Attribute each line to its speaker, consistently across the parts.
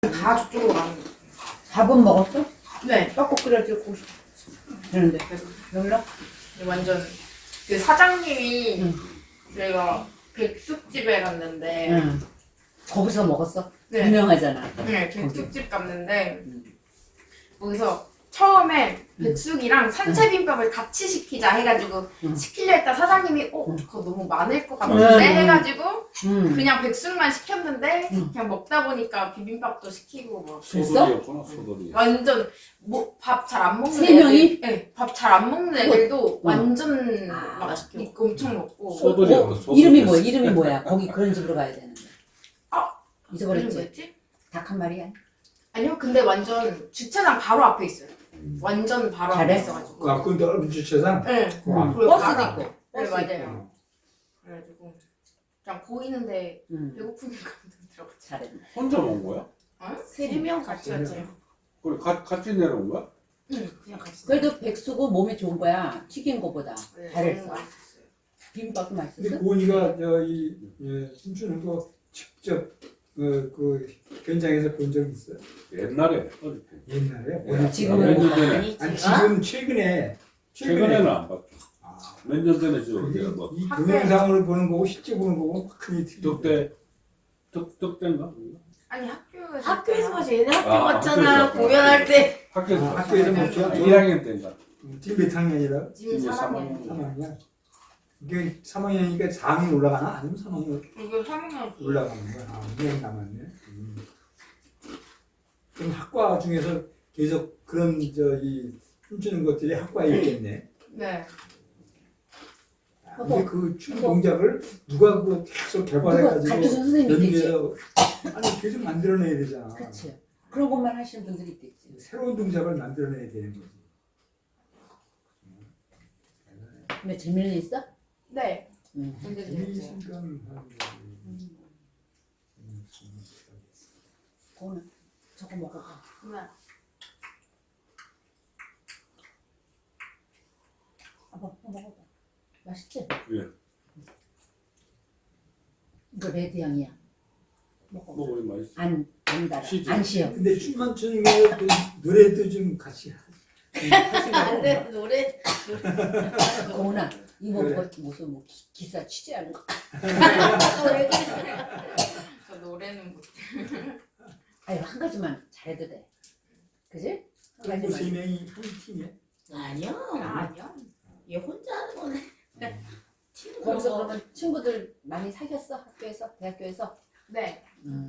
Speaker 1: 다 저쪽으로 가는 거예요.
Speaker 2: 밥은 먹었어?
Speaker 1: 네.
Speaker 2: 떡국 끓여주고 그러는데 여기로?
Speaker 1: 완전 그 사장님이
Speaker 2: 응.
Speaker 1: 저희가 백숙집에 갔는데
Speaker 2: 응. 거기서 먹었어?
Speaker 1: 네.
Speaker 2: 유명하잖아.
Speaker 1: 네, 백숙집 갔는데
Speaker 2: 응.
Speaker 1: 거기서 처음에 백숙이랑 산채비빔밥을 같이 시키자 해가지고
Speaker 2: 응.
Speaker 1: 시키려 했다 사장님이
Speaker 2: 응.
Speaker 1: 그거 너무 많을 것 같은데 해가지고
Speaker 2: 응.
Speaker 1: 그냥 백숙만 시켰는데
Speaker 2: 응.
Speaker 1: 그냥 먹다 보니까 비빔밥도 시키고 막
Speaker 3: 소돌이였구나 소돌이.
Speaker 1: 완전 뭐 밥 잘 안 먹는
Speaker 2: 세 명이?
Speaker 1: 네, 밥 잘 안 먹는 애들도
Speaker 2: 응.
Speaker 1: 완전
Speaker 2: 아,
Speaker 1: 막
Speaker 2: 맛있게
Speaker 1: 엄청 먹고
Speaker 3: 소돌이였다. 소돌이.
Speaker 2: 이름이 뭐야? 이름이 뭐야? 거기 그런 집으로 가야 되는데.
Speaker 1: 이름
Speaker 2: 잊어버렸지?
Speaker 1: 뭐였지?
Speaker 2: 닭 한 마리야?
Speaker 1: 아니요, 근데 완전 주차장 바로 앞에 있어요. 완전 바로 앞에
Speaker 2: 잘해?
Speaker 1: 있어가지고.
Speaker 4: 그 앞근 넓은 주차장?
Speaker 1: 네.
Speaker 4: 응.
Speaker 1: 그리고
Speaker 2: 버스도
Speaker 1: 바로
Speaker 2: 있고.
Speaker 1: 앞에.
Speaker 2: 버스
Speaker 1: 네, 맞아요.
Speaker 4: 어.
Speaker 1: 그래가지고 그냥 보이는데
Speaker 2: 응.
Speaker 1: 배고프니까 들어갔지.
Speaker 2: 잘했네.
Speaker 3: 혼자 먹은 거야?
Speaker 1: 세 명 같이
Speaker 4: 세 명.
Speaker 1: 갔죠.
Speaker 3: 그래 같이 내려온 거야?
Speaker 1: 응, 그냥 같이.
Speaker 2: 그래도 백숙은 몸에 좋은 거야. 튀긴 거보다.
Speaker 1: 네,
Speaker 2: 잘했어.
Speaker 1: 너무 맛있었어요.
Speaker 2: 비빔밥도
Speaker 4: 근데
Speaker 2: 맛있었어?
Speaker 4: 고은이가 춤추는 거 직접 그 현장에서 본 적 있어요?
Speaker 3: 옛날에 어릴 때.
Speaker 4: 옛날에?
Speaker 3: 예.
Speaker 2: 지금은
Speaker 3: 몇 년
Speaker 2: 못
Speaker 3: 전에.
Speaker 2: 봤니?
Speaker 4: 아니 지금 최근에
Speaker 3: 최근에는 안 봤죠.
Speaker 4: 아,
Speaker 3: 몇 년 전에 저
Speaker 4: 그게
Speaker 3: 우리가 뭐
Speaker 4: 이 동영상으로 보는 거고 실제 보는 거고 크게 틀리죠.
Speaker 3: 덕대인가?
Speaker 1: 아니 학교에서
Speaker 5: 학교에서 봤지. 얘네 학교
Speaker 3: 아,
Speaker 5: 갔잖아.
Speaker 3: 학교에서.
Speaker 5: 공연할 때.
Speaker 3: 학교에서
Speaker 4: 아,
Speaker 3: 봤어.
Speaker 4: 학교에서 봤죠?
Speaker 3: 1학년 때인가?
Speaker 4: 지금 몇 학년이라?
Speaker 1: 지금
Speaker 3: 이제
Speaker 1: 3학년.
Speaker 4: 3학년. 이게 3학년이니까 4학년 올라가나? 아니면 3학년
Speaker 1: 이거 3학년.
Speaker 4: 올라가는 거야? 아, 2년 남았네. 그럼 학과 중에서 계속 그런 이 춤추는 것들이 학과에 있겠네.
Speaker 1: 네.
Speaker 4: 근데 그 춤 동작을 누가 그 계속
Speaker 2: 누가
Speaker 4: 개발해가지고
Speaker 2: 가르쳐준 선생님이 있겠지?
Speaker 4: 연기해서 아니 계속 만들어내야 되잖아.
Speaker 2: 그치. 그런 것만 하시는 분들이 있겠지.
Speaker 4: 새로운 동작을 만들어내야 되는 거지.
Speaker 2: 근데 재미는 있어?
Speaker 1: 네.
Speaker 2: 응.
Speaker 1: 근데
Speaker 4: 이
Speaker 1: 이제
Speaker 4: 순간
Speaker 2: 그거는 저거 먹어봐.
Speaker 1: 네.
Speaker 2: 먹어봐. 맛있지?
Speaker 3: 예.
Speaker 2: 이거 레드 향이야. 먹어.
Speaker 3: 뭐 우리 맛있어.
Speaker 2: 안 달아.
Speaker 3: 시지.
Speaker 2: 안 쉬어.
Speaker 4: 근데 춤만 추는 게 노래도 좀 같이 할
Speaker 5: 안 돼. 노래.
Speaker 2: 고은아, 이거
Speaker 4: 그래.
Speaker 2: 무슨 뭐 기사 취재하는 거?
Speaker 5: 왜 그래?
Speaker 1: 저 노래는 못.
Speaker 2: 아유 한 가지만 잘해도 돼. 그지? 한
Speaker 4: 그리고 세
Speaker 2: 가지만.
Speaker 4: 명이 한 팀이야.
Speaker 5: 아니야.
Speaker 1: 아니야.
Speaker 5: 얘 혼자 하는 거네. 팀
Speaker 2: 거기서
Speaker 5: 그런 거.
Speaker 2: 그러면 친구들 많이 사귀었어? 학교에서? 대학교에서?
Speaker 1: 네.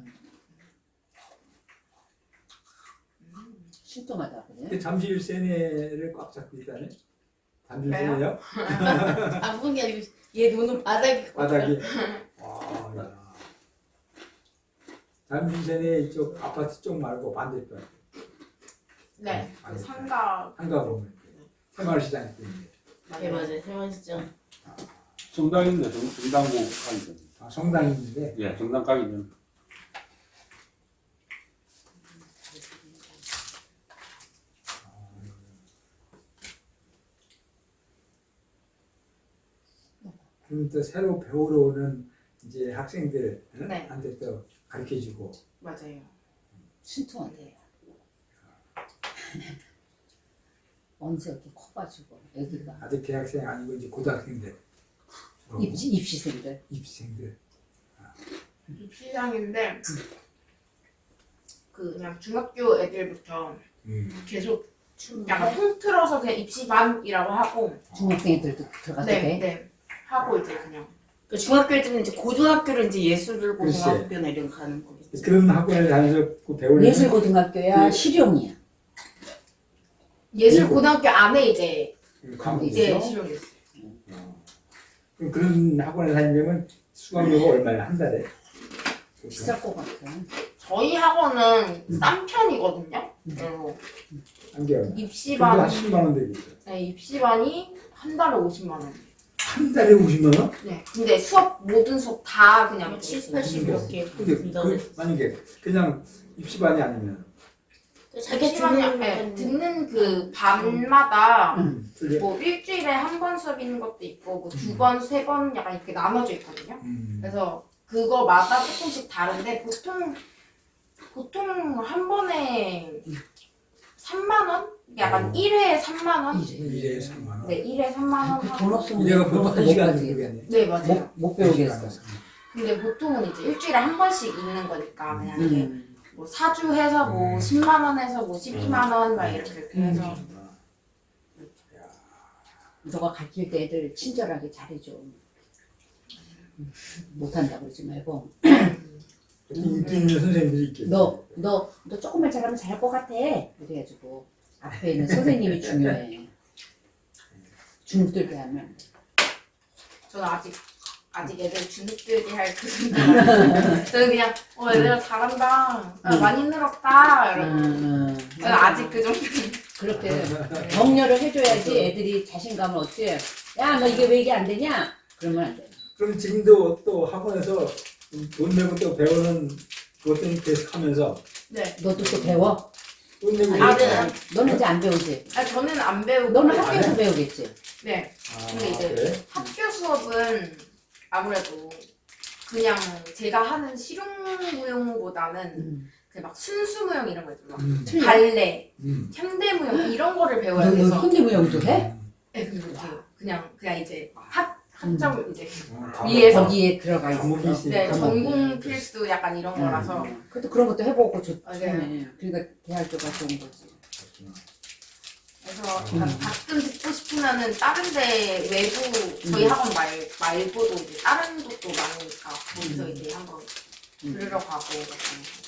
Speaker 2: 신통하다. 그지?
Speaker 4: 근데 잠실 세네를 꽉 잡고 있다네. 잠실
Speaker 1: 왜요?
Speaker 4: 세네요?
Speaker 5: 아픈 게 아니고 얘 눈은 바닥에.
Speaker 4: 바닥이. 와, 야. 잠실 세네 이쪽 아파트 쪽 말고 반대편
Speaker 1: 네.
Speaker 4: 아,
Speaker 1: 그 상가.
Speaker 4: 한가 보면 새마을시장 있는데.
Speaker 5: 예 맞아요. 세원시장.
Speaker 3: 성당 있네. 성당고 가기 전.
Speaker 4: 아, 성당이 있는데
Speaker 3: 예, 성당 가기 전.
Speaker 4: 그럼 또 새로 배우러 오는 이제 학생들한테
Speaker 1: 네.
Speaker 4: 또 가르쳐주고.
Speaker 1: 맞아요.
Speaker 2: 신통하대. 언제 이렇게 커가지고 애기가
Speaker 4: 아직 대학생 아니고 이제 고등학생들.
Speaker 2: 입시생들.
Speaker 4: 입시생들.
Speaker 1: 입시장인데 그 그냥 중학교 애들부터 계속 약간 통틀어서 그냥 입시반이라고 하고
Speaker 2: 중학생 애들도 들어가도
Speaker 1: 네,
Speaker 2: 돼.
Speaker 1: 네. 하고 이제 그냥
Speaker 5: 그 중학교 때는 이제 고등학교를 이제 예술을
Speaker 4: 글쎄.
Speaker 5: 고등학교나 이런 거 가는 거겠지.
Speaker 4: 그런 학원에 다녀서 그 배우려면
Speaker 2: 예술고등학교야
Speaker 4: 그-
Speaker 2: 실용이야.
Speaker 1: 예술 고등학교 안에 이제
Speaker 4: 과목이
Speaker 2: 있어요?
Speaker 1: 이제 실용이 있어요.
Speaker 4: 그럼 그런 학원에 다니려면 수강료가 얼마야 한 달에?
Speaker 2: 비쌀 것 같아.
Speaker 1: 저희 학원은 싼 편이거든요. 그리고
Speaker 4: 한 개월. 그래도 한
Speaker 1: 입시반
Speaker 4: 10만 원 되겠죠.
Speaker 1: 네, 입시반이 한 달에 50만 원.
Speaker 4: 한 달에 50만 원?
Speaker 1: 네. 근데 수업 모든 수업 다 그냥
Speaker 5: 70, 80 이렇게
Speaker 4: 근데
Speaker 5: 준다고
Speaker 4: 그
Speaker 5: 했었어.
Speaker 4: 만약에 그냥 입시반이 아니면
Speaker 5: 자기
Speaker 1: 입시반이 네, 듣는 그 반마다
Speaker 4: 틀려?
Speaker 1: 뭐 일주일에 한 번 수업 있는 것도 있고 뭐 두 번, 세 번 약간 이렇게 나눠져 있거든요. 그래서 그거마다 조금씩 다른데 보통 보통 한 번에 3만 원? 약간 1회에 3만 원?
Speaker 2: 이래.
Speaker 4: 1에 3만 원.
Speaker 1: 네, 1회에 3만 원.
Speaker 2: 돈 없으면
Speaker 4: 이래가
Speaker 2: 그런
Speaker 4: 보통
Speaker 2: 것도
Speaker 4: 한
Speaker 2: 못
Speaker 4: 시간
Speaker 2: 가지.
Speaker 4: 되겠네.
Speaker 1: 네, 맞아요.
Speaker 2: 못 배우겠어.
Speaker 1: 근데 보통은 이제 일주일에 한 번씩 있는 거니까 만약에
Speaker 2: 음.
Speaker 1: 뭐 4주 해서 뭐 10만 원 해서 뭐 12만 원 막 이렇게 해서
Speaker 2: 너가 가르칠 때 애들 친절하게 잘해줘. 못한다고 그러지 말고.
Speaker 4: 인기 있는 선생님들이 있겠지.
Speaker 2: 너 조금만 잘하면 잘할 것 같아. 그래가지고 앞에 있는 선생님이 중요해. 중들게 하면.
Speaker 1: 저는 아직 애들 주눅들게 할 그런 게 아니에요. 저는 그냥 애들 잘한다, 많이 늘었다 이러고 저는 아직 그 정도.
Speaker 2: 그렇게 격려를 해줘야지 애들이 자신감을 얻지. 야, 너 이게 왜 이게 안 되냐? 그러면 안 돼.
Speaker 4: 그럼 지금도 또 학원에서 돈 내고 또 배우는 그것들은 계속 하면서
Speaker 1: 네.
Speaker 2: 너도 또 배워?
Speaker 4: 돈 내고
Speaker 1: 아,
Speaker 4: 이렇게
Speaker 1: 네.
Speaker 4: 하면-
Speaker 2: 너는 이제 안 배우지?
Speaker 1: 저는 안 배우고.
Speaker 2: 너는 학교에서 배우겠지?
Speaker 1: 네.
Speaker 4: 아,
Speaker 1: 근데 이제
Speaker 4: 그래?
Speaker 1: 학교 수업은 아무래도 그냥 제가 하는 실용무용보다는 그 막 순수무용 이런 거 있잖아.
Speaker 2: 틀려?
Speaker 1: 발레,
Speaker 4: 음.
Speaker 1: 현대무용 이런 거를 배워야
Speaker 2: 너
Speaker 1: 돼서.
Speaker 2: 현대무용도 해?
Speaker 1: 네, 근데 못해요. 그냥 이제 학점 이제
Speaker 4: 어,
Speaker 1: 위에서.
Speaker 2: 거기에 들어가 있어.
Speaker 4: 과목이 있으니까.
Speaker 1: 네, 전공 필수 약간 이런 거라서.
Speaker 2: 그래도 그런 것도 해보고 좋네.
Speaker 1: 맞아요.
Speaker 2: 그러니까 대학교가 좋은 거지.
Speaker 1: 그래서 가끔 듣고 싶으면은 다른 데 외부 저희 학원 말고도 이제 다른 곳도 많으니까 거기서 이제 한번 들으러 가고 약간.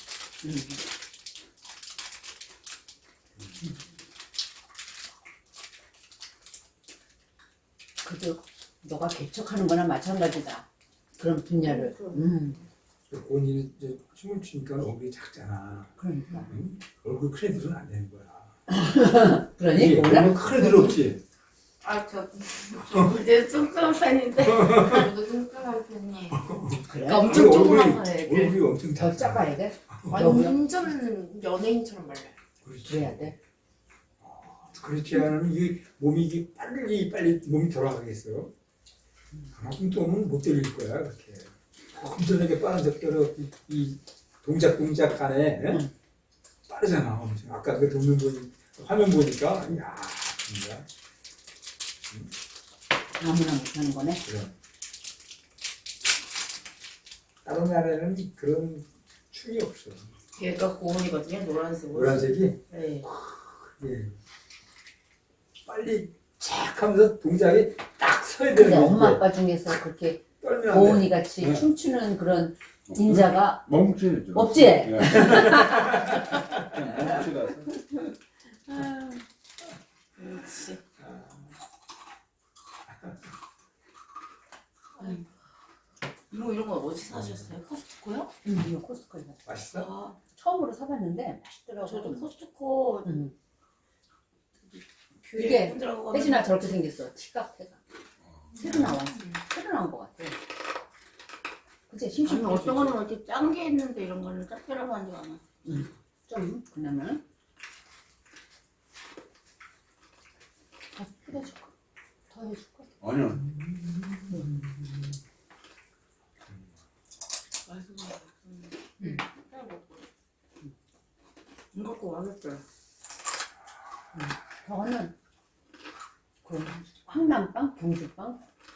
Speaker 2: 그래도 너가 개척하는 거나 마찬가지다. 그런 분야를.
Speaker 4: 본인은 이제 춤을 추니까 얼굴이 작잖아.
Speaker 2: 그러니까.
Speaker 4: 응? 얼굴 큰 애들은 안 되는 거야.
Speaker 2: 그러니?
Speaker 4: 이게
Speaker 2: 몰라?
Speaker 4: 얼굴 큰 애들 없지?
Speaker 1: 저
Speaker 5: 이제 뚱뚱한 편인데.
Speaker 1: 저도 뚱뚱한 편이에요.
Speaker 2: 그래?
Speaker 5: 그러니까 엄청
Speaker 4: 얼굴이-
Speaker 5: 조그만 거야 애들.
Speaker 4: 얼굴이 엄청
Speaker 2: 더
Speaker 4: 작잖아.
Speaker 2: 작아야 돼?
Speaker 1: 완전 연예인처럼 말라요.
Speaker 4: 그렇지.
Speaker 2: 그래야 돼?
Speaker 4: 그렇지 않으면 이 몸이 이게 빨리 몸이 돌아가겠어. 그만큼 또 오면 못 때릴 거야 그렇게. 엄청나게 빠른 속도로 이 동작 간에 예? 빠르잖아. 엄청. 아까 그 돕는 화면 보니까 야 진짜.
Speaker 2: 아무나 못하는 거네.
Speaker 4: 그래. 다른 나라에는 그런 춤이 없어.
Speaker 5: 얘가 고온이거든요. 노란색.
Speaker 4: 노란색이
Speaker 5: 네.
Speaker 4: 예. 빨리 착 하면서 동작이 딱 서야
Speaker 2: 근데
Speaker 4: 되는
Speaker 2: 엄마
Speaker 4: 게
Speaker 2: 아빠 중에서 그렇게
Speaker 4: 떨면 안 돼.
Speaker 2: 고은이 같이
Speaker 3: 네.
Speaker 2: 춤추는 그런 인자가
Speaker 3: 멈추죠.
Speaker 2: 없지?
Speaker 3: 예. 멈추라서.
Speaker 5: 그렇지. 이런 거 어디 사셨어요? 코스트코요?
Speaker 2: 이거 코스트코에 갔어.
Speaker 4: 맛있어?
Speaker 5: 아,
Speaker 2: 처음으로 사봤는데 맛있더라고.
Speaker 5: 저도 코스트코
Speaker 2: 이게
Speaker 5: 교회 분들하고 가면
Speaker 2: 혜진아 저렇게 생겼어. 티가 새로 나왔어. 새로 나온 것 같아. 그치?
Speaker 5: 아니
Speaker 2: 심심해.
Speaker 5: 어떤 거는 이렇게 짠 게 있는데 이런 거는 짭짤하고 하지 않아.
Speaker 2: 좀 그러면 더 뿌려줄까? 더 해줄까?
Speaker 3: 아니요.
Speaker 5: 이거 꼭 맛있어요.
Speaker 2: 저거는 그 황남빵, 경주빵.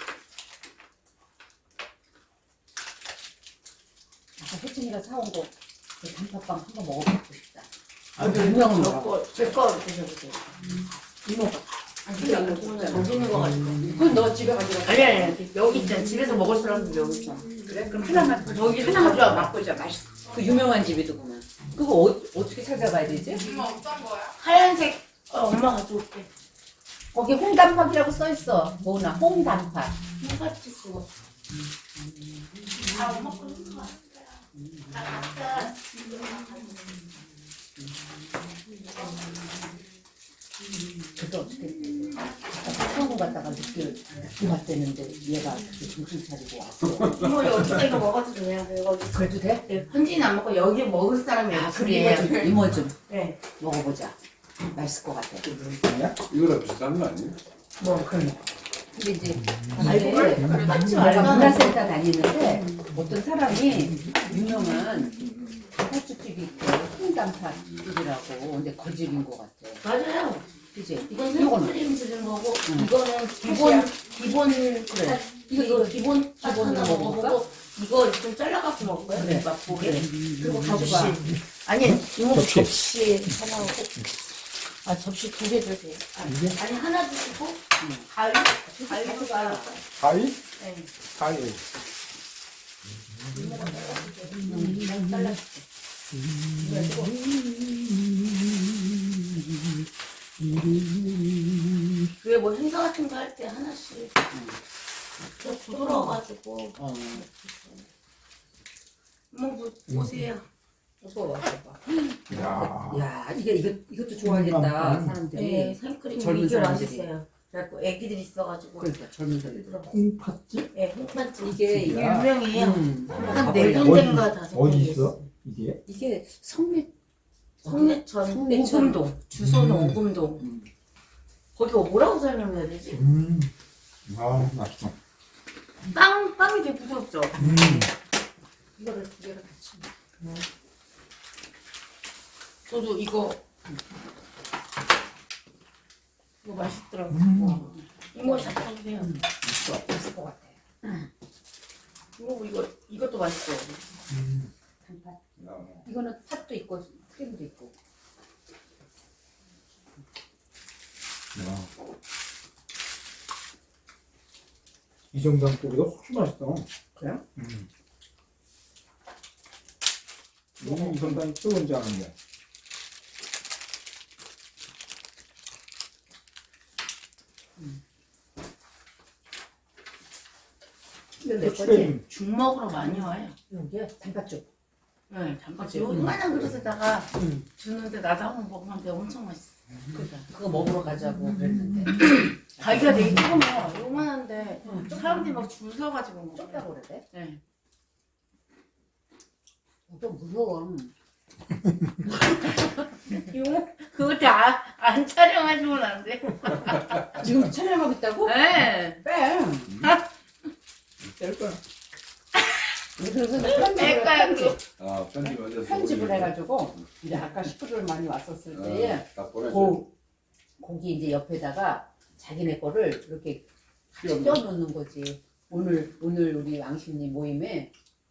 Speaker 2: 아까 혜진이가 사온 거그 단팥빵 한번 먹어보고 싶다. 유명한 거.
Speaker 5: 제거 드셔보세요.
Speaker 2: 이모가.
Speaker 5: 아니 근데 이거 보면 저기 있는 거 가지고.
Speaker 2: 그건 너 집에 가져가.
Speaker 5: 아니 여기 있잖아. 집에서 먹을 사람도 여기 있잖아.
Speaker 2: 그래? 그럼 하나만
Speaker 5: 저기
Speaker 2: 하나만
Speaker 5: 하나
Speaker 2: 줘 맛보자. 맛있어. 그 유명한 집이더구만. 그거 어떻게 찾아가야 되지?
Speaker 1: 엄마 어떤 거야?
Speaker 5: 하얀색 엄마 가져올게.
Speaker 2: 거기 홍단팥이라고 써 있어. 뭐나 홍단팥.
Speaker 5: 똑같이 쓰고.
Speaker 1: 엄마 거 있는 거 같아.
Speaker 2: 그때 어떻게 아까 처음 갔다가 늦게 왔대는데 얘가 그렇게 정신 차리고 왔어.
Speaker 5: 이모 여기서 이거 먹어도 돼요. 이거
Speaker 2: 그래도 돼?
Speaker 5: 네, 현지는 안 먹고 여기 먹을 사람이
Speaker 2: 아,
Speaker 5: 여기
Speaker 2: 그럼
Speaker 5: 둘이에요.
Speaker 2: 이모 좀
Speaker 5: 네.
Speaker 2: 먹어보자. 맛있을 것 같아.
Speaker 3: 이거랑 비슷한 거 아니에요?
Speaker 2: 뭐 그러네. 근데 이제
Speaker 5: 알고를 같이
Speaker 2: 내가
Speaker 5: 알잖아.
Speaker 2: 문화센터 다니는데 어떤 사람이 유명한 단팥죽집이 있대. 홍단팥죽이라고. 근데 거짓인 것 같아.
Speaker 5: 맞아요.
Speaker 2: 그지?
Speaker 5: 이건
Speaker 2: 이거는
Speaker 5: 생크림 들은 거고
Speaker 2: 응.
Speaker 5: 이거는 기본
Speaker 2: 그래.
Speaker 5: 이거 기본
Speaker 2: 기본으로
Speaker 5: 하나
Speaker 2: 먹어볼까?
Speaker 5: 먹어보고 이거 좀 잘라갖고 먹을 거야.
Speaker 2: 그래.
Speaker 5: 맛보게.
Speaker 2: 그래.
Speaker 5: 그리고
Speaker 2: 가져가.
Speaker 5: 접시. 아니 이모
Speaker 4: 접시.
Speaker 5: 접시 하나 하고. 아 접시 2개 주세요. 아니 하나 주시고 가위 가위로
Speaker 2: 가져가.
Speaker 4: 가위?
Speaker 5: 네.
Speaker 4: 가위.
Speaker 5: 이모가 잘라줄게.
Speaker 2: 잘라줄게.
Speaker 5: 왜 뭐 행사 같은 거 할 때 하나씩 좀 부드러워가지고 뭐 보세요.
Speaker 2: 무서워.
Speaker 4: 야.
Speaker 2: 야, 이것도 좋아하겠다, 사람들이.
Speaker 5: 네, 생크림
Speaker 2: 젊은
Speaker 5: 이게
Speaker 2: 사람들이.
Speaker 5: 맛있어요. 그래갖고 애기들 있어가지고
Speaker 2: 그러니까 젊은 사람들.
Speaker 4: 콩팥집?
Speaker 5: 네, 홍판집
Speaker 2: 이게
Speaker 5: 유명해요.
Speaker 2: 가보려고.
Speaker 5: 한 4군데인가 5군데
Speaker 4: 어디 있어? 이게?
Speaker 2: 이게 성내
Speaker 5: 성내천,
Speaker 2: 성내천.
Speaker 5: 오금동 주소는 오금동 거기 뭐라고 설명해야 되지?
Speaker 4: 아, 맛있어.
Speaker 5: 빵이 되게 부드럽죠?
Speaker 2: 이거를 두 개를 같이.
Speaker 5: 저도 이거 맛있더라고요. 이모 샷해주세요.
Speaker 2: 맛있을 것 같아.
Speaker 5: 이모 이것도 맛있어.
Speaker 2: 단팥. 이거는 팥도 있고 크림도 있고.
Speaker 4: 이 정도면 고기가 훨씬 맛있어.
Speaker 2: 그래요?
Speaker 4: 이 정도면 뜨거운 줄 아는데.
Speaker 2: 이건 내 거지?
Speaker 4: 고추냉이.
Speaker 5: 죽 먹으러 많이 와요.
Speaker 2: 여기에 단팥죽.
Speaker 5: 네, 단팥이 요만한 그릇에다가
Speaker 2: 응.
Speaker 5: 주는데 나도 한번 먹으면 엄청 맛있어.
Speaker 2: 그러니까 그거 먹으러 가자고 그랬는데.
Speaker 5: 가기가 되게 조그매요. 요만한데 사람들이 막 줄 서가지고 먹어요.
Speaker 2: 좁다고 그러대?
Speaker 5: 네.
Speaker 2: 좀 무서워.
Speaker 5: 이모 그거 다 안 촬영하시면 안 돼.
Speaker 2: 지금 촬영하고 있다고?
Speaker 5: 네.
Speaker 2: 빼.
Speaker 4: 뺄 거야.
Speaker 2: 그래서 편집을
Speaker 5: 뺄까요,
Speaker 2: 편집.
Speaker 3: 아, 편집 완전
Speaker 2: 편집을 해가지고 이제 아까 식구들 많이 왔었을 때에
Speaker 3: 딱 보내줘.
Speaker 2: 고기 이제 옆에다가 자기네 거를 이렇게 같이 껴놓는 거지. 오늘 우리 왕십리 모임에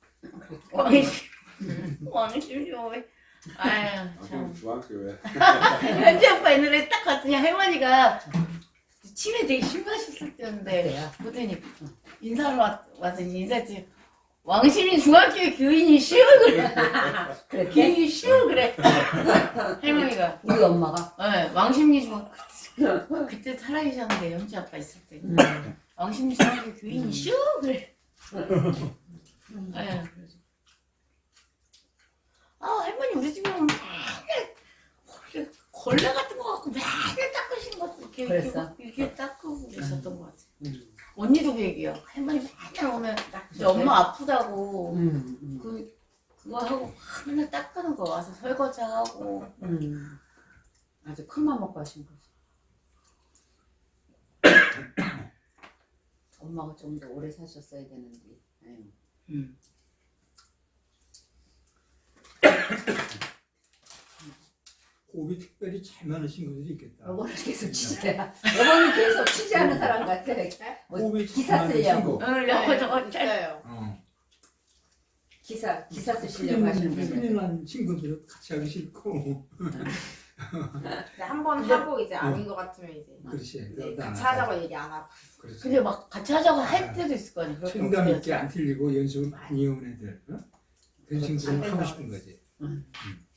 Speaker 5: 왕심이요 왜? 아유 참.
Speaker 3: 중학교 왜?
Speaker 5: 현지 아빠 옛날에 딱 갔더니 할머니가 치매 되게 심하셨을 때였는데
Speaker 2: 그래요.
Speaker 5: 보더니 인사하러 와서 인사했지. 왕심이 중학교 교인이 쉬워 그래.
Speaker 2: 그랬대.
Speaker 5: 교인이 쉬워 그래. 할머니가.
Speaker 2: 우리 엄마가
Speaker 5: 네, 왕심리 중학 그때 살아계셨는데 현지 아빠 있을 때. 왕심리 중학교 교인이 쉬워 그래. 아유. 아 할머니 우리 집에 오면 맨날 걸레 같은 거 갖고 맨날 닦으신 것 이렇게
Speaker 2: 그랬어?
Speaker 5: 이렇게 닦고 계셨던 것 같아. 언니도 그 얘기야. 할머니 맨날 오면 이제 엄마 아프다고 그거 하고 맨날 닦는 거 와서 설거지 하고.
Speaker 2: 아주 큰맘 먹고 하신 거지. 엄마가 좀 더 오래 사셨어야 되는데. 아유.
Speaker 4: 호흡이 특별히 잘 많으신 분들이 있겠다.
Speaker 2: 여보는 계속 취재야. 여보는 계속 취재하는 사람 같아. 뭐
Speaker 4: 호흡이
Speaker 2: 기사
Speaker 4: 잘
Speaker 2: 쓰려고.
Speaker 4: 많으신
Speaker 5: 응, 저거 저거 잘.
Speaker 1: 있어요.
Speaker 4: 거.
Speaker 2: 기사 쓰시려고 하시는 분들.
Speaker 4: 큰일난 친구들은 같이 하기 싫고.
Speaker 1: 한번 하고 이제 아닌 것 같으면 이제
Speaker 4: 그렇지.
Speaker 1: 이제
Speaker 4: 나-
Speaker 1: 같이 하자고 얘기 안 하고.
Speaker 4: 그렇지.
Speaker 5: 근데 막 같이 하자고 할 때도 있을 거 아니야. 그렇게
Speaker 4: 책임감
Speaker 5: 어떻게
Speaker 4: 있게 안 틀리고 연습을 많이 해온 애들. 어? 그런 친구들은 하고 싶은 거지.